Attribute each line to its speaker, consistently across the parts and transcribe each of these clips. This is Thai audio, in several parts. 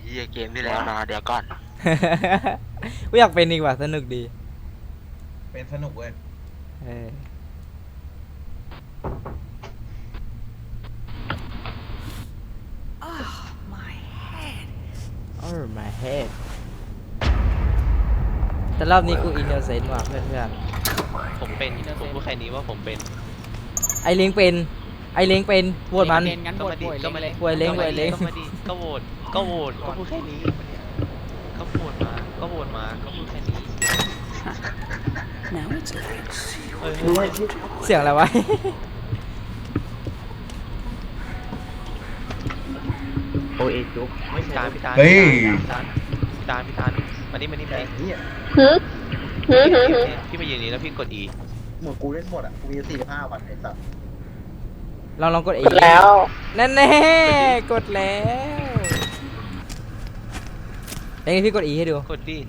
Speaker 1: เหี้ยเกมที่แล้วนะเดี๋ยวก่อน
Speaker 2: กูอยากเป็นอีกว่ะสนุกดี
Speaker 3: เป็นสนุกเว้ย
Speaker 2: เออ Oh my head แต่รอบนี้กูอินโนเซนต์ว่ะเพื่อน
Speaker 4: ผมเป็นผมพูดแค่นี้ว่าผมเป็น
Speaker 2: ๆไอเล้งเป็นไอเล้งเป็นโหวตมัน
Speaker 5: งั้น
Speaker 4: ก็
Speaker 5: โหว
Speaker 4: มา
Speaker 5: ต
Speaker 4: ดิ
Speaker 5: โหวต
Speaker 4: ก็มา
Speaker 5: เล
Speaker 4: ดิ
Speaker 5: ย
Speaker 2: โหวตเล้งโหวตเล้ง
Speaker 4: ก็มาดิก็โหวตก็พูดแค่นี้ก็โหวตมาก็โหวตมาก็พูดแค่นี้
Speaker 6: Now it's like
Speaker 4: เฮ้ย
Speaker 2: เสียงอะไรวะ
Speaker 3: โอเอจุ๊บไม่
Speaker 4: พี่
Speaker 3: ใช่
Speaker 4: ตาลพี่ตาล
Speaker 3: เฮ้ย
Speaker 4: พี่ตาลมานี่
Speaker 3: แ
Speaker 4: มานี่
Speaker 3: เนี่ย
Speaker 4: พี่มายืนนี้แล้วพี่กด E
Speaker 3: หมดกูเล่นหมดอ่ะกูมี45 วันไอ้สัตว์
Speaker 2: ลองกดเอง
Speaker 6: กดแล้ว
Speaker 2: แน่ๆกดแล้วเอ้ยพี่กดอีให้ดู
Speaker 4: กดดิ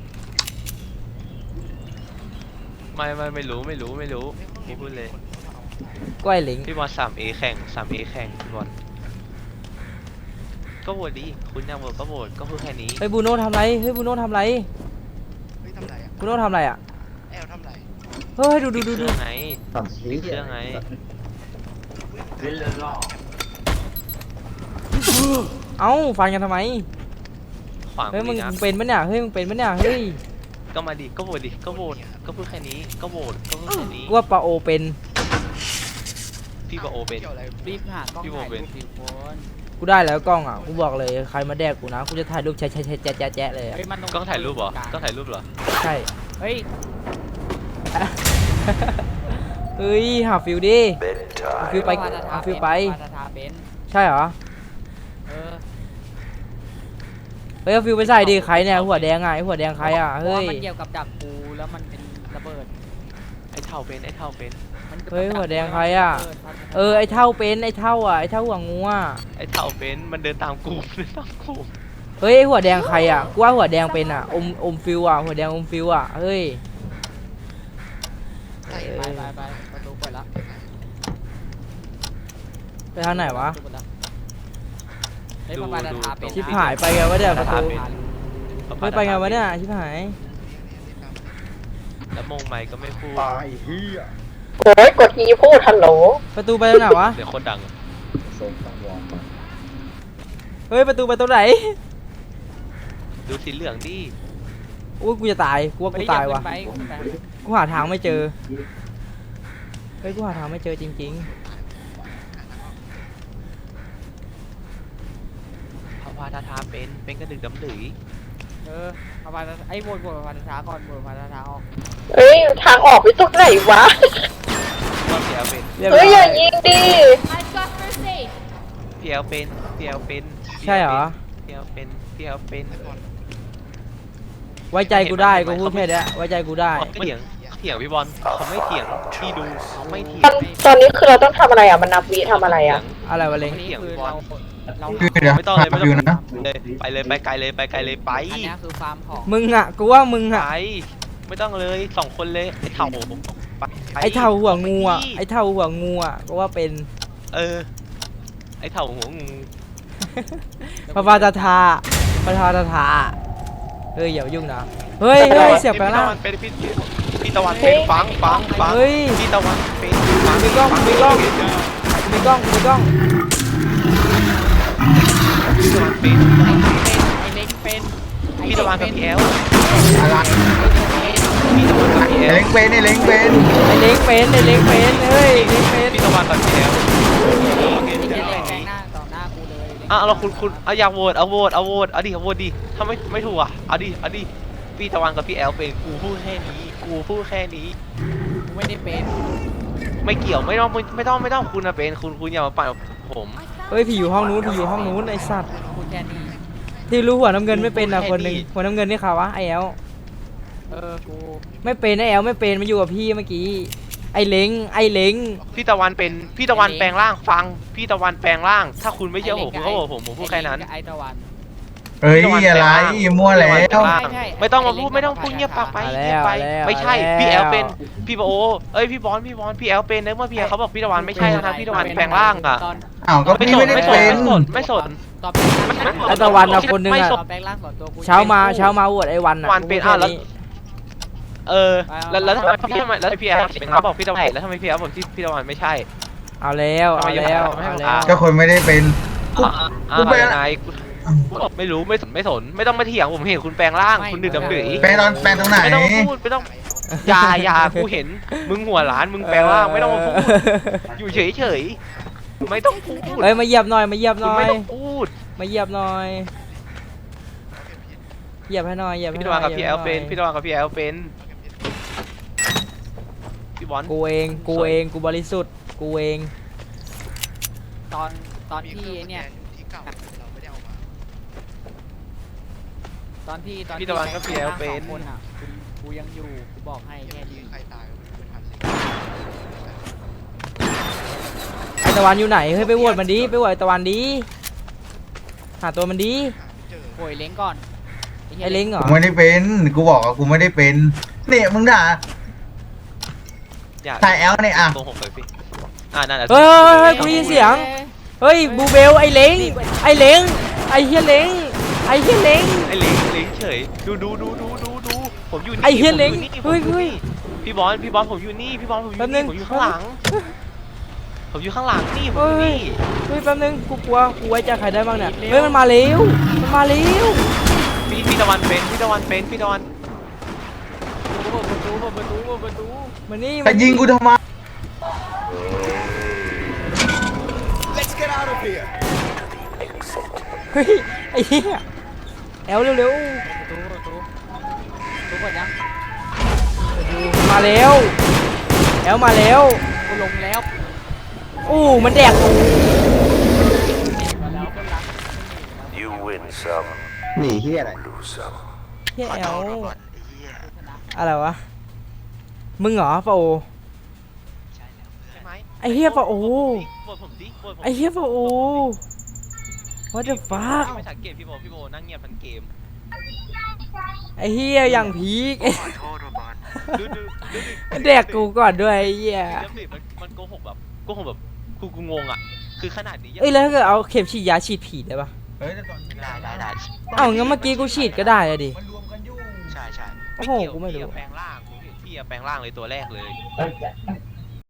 Speaker 4: ไม่รู้พี่พูดเลย
Speaker 2: ก็ไอเล้ง
Speaker 4: พี่บอล 3A แข่ง 3A แข่งพี่บอลก็โหวตดิคุณอยากโหวตก็โหวตก็พูดแค่นี้
Speaker 2: เฮ้ยบูโน่ทำไรเฮ้ยบูโน่ทำไร
Speaker 7: เฮ้ยทำไรอ่ะ
Speaker 2: บูโน่ทำไรอ่ะ
Speaker 7: แอลทำไร
Speaker 2: เฮ้ยดู
Speaker 4: เครื่องไง
Speaker 3: สั่งซี
Speaker 4: เครื่องไง
Speaker 2: เอ้าฟันกันทำไม
Speaker 4: ขวาง
Speaker 2: เฮ้ยมึง
Speaker 4: นะ
Speaker 2: เป็นปะเนี่ยเฮ้ยมึงเป็นปะเนี่ยเฮ้ย
Speaker 4: ก็มาดิก็โหวตดิก็โหวตก็พูดแค่นี้ก็โหวตก็พูดแค่นี้
Speaker 2: กูว่าปาโอเป็น
Speaker 4: พี่บอโอเป็น
Speaker 7: เกี่ยวอะไร
Speaker 5: รีบหากล้อง
Speaker 4: พี่โบ
Speaker 5: ถ่าย
Speaker 4: เป็
Speaker 5: รู
Speaker 4: น
Speaker 5: ปดิคน
Speaker 2: กูได้แล้วกล้องอ่ะกูบอกเลยใครมาแดกกูนะกูจะถ่ายรูปแชะแจ๊ะเลยอะ
Speaker 5: เฮ้ยมัน
Speaker 4: กล้องถ่ายรูปเหรอกล้องถ่ายรูปเหรอ
Speaker 2: ใช่
Speaker 5: เฮ้ย
Speaker 2: เฮ้ยหาฟิลดิหาฟิลไปหาฟิลไป
Speaker 5: พาทาเป็น
Speaker 2: ใช่เหรอ
Speaker 5: เออ
Speaker 2: เฮ้ยเอาฟิลไปใส่ดิใครเนี่ยหัวแดงอ่ะไอหัวแดงใครอ่ะ
Speaker 5: เพราะ
Speaker 2: เฮ้
Speaker 5: ว่าย มันเกี่ยวกับดักกูแล้วมันเป็นระเบิด
Speaker 4: ไอ้เท่าเป็นไอ้เท่าเป็น
Speaker 5: มันกี่ยวกับ
Speaker 2: เฮ้ย
Speaker 5: ดัก
Speaker 2: หัวแดงใครอะ
Speaker 5: เพาทา
Speaker 2: เออไอเท่าเป็นไอเท่าอ่ะไอเท่าหัวงูอ่ะ
Speaker 4: ไอ้เท่าเป็นมันเดินตามกูเดินตามกู
Speaker 2: เฮ้ยไอ้หัวแดงใครอ่ะกูว่าหัวแดงเป็นอ่ะอมฟิลอ่ะหัวแดงอมฟิลอ่ะเฮ้ย
Speaker 5: ไปประตูเปิดละ
Speaker 2: ไปทางไหนวะ
Speaker 5: ประตูเปิดละเฮ้ยพาทาเป็น
Speaker 2: ชิบหายไปไงวะเนี่ยประตู
Speaker 4: เป็น
Speaker 2: เฮ้ยไปไงวะเนี่ยชิบหาย
Speaker 4: แล้วมงไมค์ก็ไม่พูด
Speaker 3: ตายเฮีย
Speaker 6: โอ้ยกดทีพูดฮัลโหล
Speaker 2: ประตูไปตรงไหนวะ
Speaker 4: เสียงโคตรดังอะ
Speaker 3: ทรงสังวรมา
Speaker 2: เฮ้ยประตูไปตรงไหน
Speaker 4: ดูสีเหลืองดิ
Speaker 2: อุ้ยกูจะตายกูว่ากูตายว่ะ
Speaker 5: เฮ้อย่าขึ้นไป
Speaker 2: กูหาทางไม่เจอเฮ้ยกูหาทางไม่เจอจริง
Speaker 4: พาทาเป็นกระดึกดำดือ
Speaker 5: เออพาทาไอ้โหวตพาทาก่อนโหวตพาทาออก
Speaker 6: เอ้ย ทางออกไปตรงไหนวะ
Speaker 4: ก็พี่แอลเป็น
Speaker 2: ๆเรีบร้
Speaker 6: เฮ้ย อย่ายิงดิ
Speaker 4: พี่แอลเป็นพี่แอลเป็น
Speaker 2: ใช่เหรอ
Speaker 4: พี่แอลเป็นพี่แอลเป็น
Speaker 2: ไว้ใจกูได้กูพูดแค่เนี้ยไว้ใจกูได้
Speaker 4: ไม่เถียงพี่บอลเขาไม่เถียงพี่ดูเขาไม่เถีย
Speaker 6: ตอง นตอนนี้คือเราต้องทำอะไรอ่ะ มันนับวิทำอะไรอ่ะ
Speaker 2: อะไรวะเล้ง
Speaker 5: อันนี้คือเรา
Speaker 3: เดี๋ยว
Speaker 4: ไม่ต้องเลยไม่ต้อง
Speaker 3: อยู่นะ
Speaker 4: เลยไปเลยไปไกลเลยไปไกลเลยไป
Speaker 5: อันนี้คือฟาร์มของ
Speaker 2: มึงอ่ะกูว่ามึง
Speaker 4: ไป
Speaker 2: อ่ะ
Speaker 4: ไม่ต้องเลย2 คนเลยไอ้เถ่าไป
Speaker 2: ไอเท่าหัวงูอ่ะไอเท่าหัวงูอ่ะก็ว่าเป็น
Speaker 4: เออไอ้เถ่าหัวงู
Speaker 2: พระพาตาทาพระพาตาทาเฮ้ยอย่ามายุ่งนะเฮ้ยเฮ้ยเสียบไปแล้ว
Speaker 4: พี่ตะวันเป็นฟัง
Speaker 2: เฮ้ย
Speaker 4: พี่ตะวันเป็นฟัง
Speaker 2: มีกล้องมีกล้อง มีกล้องมีกล้อง
Speaker 4: พี่ตะวันเป็น
Speaker 5: ไอ้เล็กเป็น
Speaker 4: พี่ตะวันกับพี่แอล
Speaker 3: อะไร
Speaker 4: พี่ตะวันกับพี่แอล
Speaker 3: เล้งเป็นไอ้เล้งเป็น
Speaker 2: ไอเล้งเป็นไอเล้งเป็นเฮ้ยเล้งเป็น
Speaker 4: พี่ตะวันกับพี่แอล
Speaker 5: ไอ้เล็กแกงหน้าต่อหน้ากูเลย
Speaker 4: อ่ะเราคุณเอาอยากโหวตเอาดิโหวตดิถ้าไม่ถูกอ่ะเอาดิพี่ตะวันกับพี่แอลเป็นกูพูดแค่นี้
Speaker 5: กูไม่ได้เป็น
Speaker 4: ไม่เกี่ยวไม่ต้องคุณนะเป็นคุณอย่ามาปั่นผม
Speaker 2: เฮ้ยผีอยู่ห้องนู้นผีอยู่ห้องนู้นไอสัตว์
Speaker 5: กูแค่นี้
Speaker 2: ที่รู้หัวน้ำเงินไม่เป็นอ่ะคนหนึ่งหัวน้ำเงินนี่ใครวะไอแอล
Speaker 5: กู
Speaker 2: ไม่เป็นไอแอลไม่เป็นมาอยู่กับพี่เมื่อกี้ไอเล้งไอเล้ง
Speaker 4: พี่ตะวันเป็นพี่ตะวันแปลงร่างฟังพี่ตะวันแปลงร่าง ถ้าคุณไม่เชื่อผมคุณก็บอกผมพูดแค่นั้น
Speaker 5: ไอ้ตะวัน
Speaker 3: เฮ้ยอะไรมั่วแล้ว
Speaker 4: ไม่ต้องมาพูดไม่ต้องพูดเงียบปากไปเงียบไปไม่ใช่พี่แอลเป็นพี่โอเอ้ยพี่บอลพี่แอลเป็นเมื่อพี่แอลเขาบอกพี่ตะวันไม่ใช่นะครับพี่ตะวันแปลงร่างอ่ะ
Speaker 3: อ้าวก็พี่ไม่ได้เป็น
Speaker 4: ไม่สน
Speaker 5: ตอบแปลงร่าง
Speaker 2: ไอ้ตะวันอะคนหนึ่งอะ
Speaker 5: ตอบแปลงร่างสอนตัวกู
Speaker 2: เช้ามาโหวตไอ้วันอะ
Speaker 4: วันเป็นแล้วแล้วทำไมพี่แล้วพี่แอลเป็นเขาบอกพี่ตะวันแล้วทำไมพี่แอลบอกที่พี่ตะวันไม่ใช่
Speaker 2: เอาแล้วเอาแล้วเอาแล้ว
Speaker 3: ก็คนไม่ได้เป็น กูแปลง
Speaker 4: นายไม่รู้ไม่สนไม่ต้องมาเถียงผมเห็นคุณแปลงร่างคุณดื่มดำดื่ย
Speaker 3: แปลงตรงไหน
Speaker 4: ไม่ต้องพูดไม่ต้องอย่ากูเห็นมึงหัวล้านมึงแปลงร่างไม่ต้องมาพูดอยู่เฉยไม่ต้องพูด
Speaker 2: เอ้ยมาเหยียบหน่อยมาเหยียบห
Speaker 4: คุณ
Speaker 2: น่อ
Speaker 4: ไม่
Speaker 2: ย
Speaker 4: ต้องพูด
Speaker 2: มาเหยียบหน่อยเหยียบให้หน่อยเหยียบให้
Speaker 4: พี่
Speaker 2: ห
Speaker 4: ตะ
Speaker 2: น่
Speaker 4: วั
Speaker 2: อน ย
Speaker 4: กับพี่แอลเป็นพี่ตะวันกับพี่แอลเป็นพี่บอล
Speaker 2: กูเองกูบริสุทธิ์กูเอง
Speaker 5: ตอน
Speaker 7: มี
Speaker 5: ที่
Speaker 7: เครื่อง
Speaker 5: ไอ้เนี่ย
Speaker 7: ที่เก่าเราไม่ได้เอามา
Speaker 5: ตอนที่
Speaker 4: พี่ตะวันกับพี่แอลเป็น
Speaker 5: สองคนอ่ะกูยังอยู่กูบอกให้แค่
Speaker 7: ที่
Speaker 5: นี้
Speaker 7: ใครตายก็ไม่ทันเลย
Speaker 2: ไอตะวันอยู่ไหนเฮ้ยไปโหวตมันดิไปโหวตไอตะวันดิหาตัวมันดิ
Speaker 7: หาไม่เจอ
Speaker 5: โวยเล้งก่อน
Speaker 2: ไอเล้งเหร
Speaker 3: กู
Speaker 2: อ
Speaker 3: ไม่ได้เป็นกูบอกว่ากูไม่ได้เป็นเนี่ยมึงด่า
Speaker 4: อย่า
Speaker 3: ถ่ายแอลเนี่ยอ่ะ
Speaker 4: โกหกเลยพี่นั่นแหละ
Speaker 2: เฮ้ยกูได้ยินเสียงเฮ้ยบูเบลไอเล้งไอเล้งไอเฮียเล้งไอเฮียเล้ง
Speaker 4: ไอ้เล้งเฉยดูผมอยู่นี่
Speaker 2: ไอ้เหี้ยเล้ง
Speaker 4: ผมอยู่นี่
Speaker 2: เฮ้ย
Speaker 4: พี่บอลผมอยู่นี่พี่บอลผมอยู่
Speaker 2: แป๊บนึ
Speaker 4: นี่
Speaker 2: ง
Speaker 4: ผมอยู่ข้างหลังผมอยู่ข้างหลังนี่ผมอยู่นี่
Speaker 2: เฮ้ยแป๊บนึงกูกลัวกูไว้ใจใครได้บ้างเนี่ยเฮ้ยมันมาเร็วมันมาเร็ว
Speaker 4: พี่ตะวันเป็นพี่ตะวัน
Speaker 5: ประตู
Speaker 2: มานี่
Speaker 3: แต่ยิงกูทำไม
Speaker 2: เฮ้ยไอ้เหี้ยแอลเร็ว
Speaker 5: ประตูเปิดยัง
Speaker 2: ๆมาเร็วแอลมาเร็ว
Speaker 5: กูลงแล้ว
Speaker 2: อู้มันแดกกู
Speaker 5: มาแล้วคนรัก
Speaker 8: You win some,
Speaker 3: หนีเฮียอะไร
Speaker 8: lose some.
Speaker 2: เฮีย
Speaker 1: ขอ
Speaker 2: แอ
Speaker 1: โท
Speaker 2: ล
Speaker 1: ษก่อนไอ้เหี้ย
Speaker 2: อะไรวะมึงเหรอปะโอ
Speaker 1: ใช่แล้ว
Speaker 4: ใช่ไหม
Speaker 2: ไอ้เหี้ยปะโอ
Speaker 4: บทผมดิบทผม
Speaker 2: ไอ้เฮียปะโอ what the fuck
Speaker 4: ไม่สังเกตพี่โบนั่งเงียบทั้งเกม
Speaker 2: ไอ้เฮียอย่างพีค
Speaker 1: ขอโทษบอล
Speaker 4: ดู
Speaker 2: แดกกูก่อนด้วยไอ้เหี้ย
Speaker 4: เดี๋ยวดิมันโกหกแบบกูงงอ่ะคือขนาดนี้
Speaker 2: เอ้ยแล้วถ้าเกิดเอาเข็มฉีดยาฉีดผีได้ปะ
Speaker 3: เฮ้ยแต่ก่อน
Speaker 1: ได้
Speaker 2: เอ้างั้นเมื่อกี้กูฉีดก็ได้อะดิ
Speaker 3: มันรวมกันอยู่
Speaker 1: ใช่
Speaker 2: โอ้โหกูไม่รู้
Speaker 4: แปลงร่างกูเห็นพี่แปลงร่างเลยตัวแรกเลย